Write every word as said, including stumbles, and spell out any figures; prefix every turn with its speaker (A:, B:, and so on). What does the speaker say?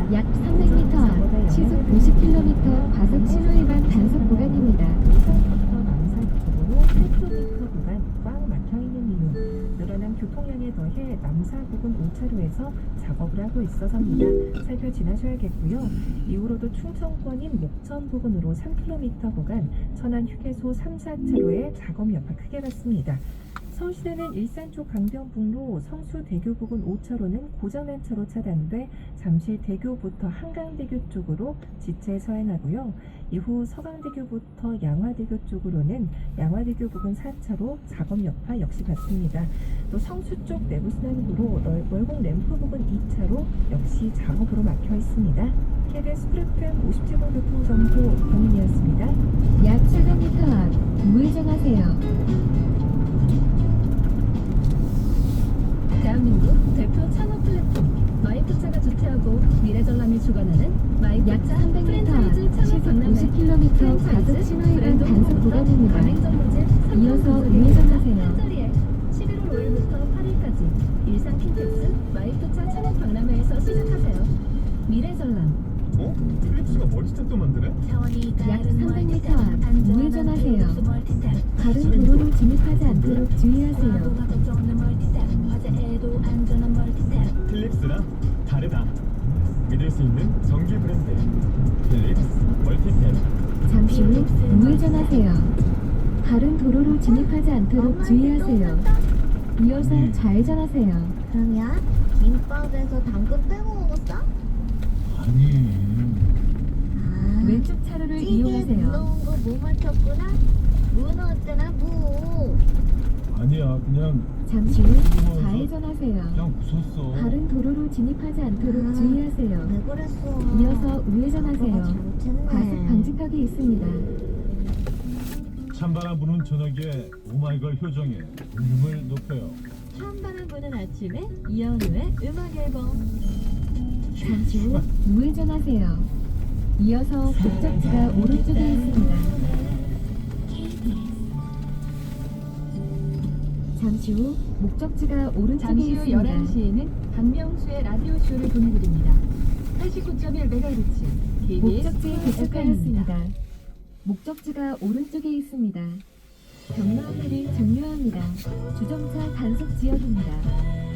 A: 약 삼백 미터 앞 시속 오십 킬로미터 과속 신호 위반 단속 구간입니다.
B: 일산부터 남사국으로 팔 킬로미터 구간 꽉 막혀 있는 이유, 늘어난 교통량에 더해 남사 부근 오 차로에서 작업을 하고 있어서입니다. 살펴 지나셔야겠고요. 이후로도 충청권인 목천 부근으로 삼 킬로미터 구간, 천안 휴게소 삼, 사 차로에 작업 여파 크게 났습니다. 서울시내는 일산 쪽 강변북로 성수대교 부근 오 차로는 고장난 차로 차단돼 잠시 대교부터 한강대교 쪽으로 지체 서행하고요. 이후 서강대교부터 양화대교 쪽으로는 양화대교 부근 사 차로 작업 여파 역시 받습니다. 또 성수 쪽 내부순환구로 월곡 램프 부근 이 차로 역시 작업으로 막혀 있습니다. 케이비에스 쿨 에프엠 오십칠 번 교통정보 범인이었습니다.
A: 약 사백 미터 앞 우회전하세요.
C: 대한민국 대표 창업 플랫폼 마이프차가 주최하고 미래전람이 주관하는
A: 약
C: 마이프차
A: 삼백 미터 앞
C: 프랜차이즈 창업
A: 시속
C: 박람회
A: 오십 킬로미터 과속 신호 위반 단속 구간입니다. 이어서 우회전하세요.
C: 한 자리에 십일월 오일부터 팔일까지 일산 킨텍스 마이프차 창업 박람회에서 시작하세요. 미래전람
D: 어? 필립스가 머리 스탠도 만드네?
A: 약 삼백 미터 앞 우회전하세요. 다른 도로로 진입하지 않도록 주의하세요.
D: 필립스랑 다르다. 믿을 수 있는 전기 브랜드 필립스 멀티탭.
A: 잠시 후 우회전하세요. 다른 도로로 진입하지 않도록 주의하세요. 이어서 좌회전하세요.
E: 그러면 김밥에서 당근 빼고 먹었어?
D: 아니
E: 아,
A: 왼쪽 차로를
E: 찌개
A: 이용하세요.
E: 물러온 거 못 맞췄구나? 문어 어쩌나 무.
D: 아니야 그냥
A: 잠시 후 좌회전하세요.
D: 그냥 웃었어.
A: 다른 도로로 진입하지 않도록
E: 아,
A: 주의하세요.
E: 왜 그랬어?
A: 이어서
E: 아빠가
A: 우회전하세요.
E: 잘못했네.
A: 과속 방지턱이 있습니다.
D: 찬바람 부는 저녁에 오마이걸 효정의 볼륨을 높여요.
C: 처음 바람 부는 아침에 이현우의 음악 앨범.
A: 잠시 후 우회전하세요. 이어서 목적지가 오른쪽에 있습니다. 잠시 후 목적지가 오른쪽에
C: 잠시 후
A: 있습니다.
C: 열한 시에는 박명수의 라디오 쇼를 보내드립니다. 팔십구 점 일 메가헤르츠 케이비에스
A: 목적지에 도착하였습니다. 목적지가 오른쪽에 있습니다. 경로 안내를 종료합니다. 주정차 단속 지역입니다.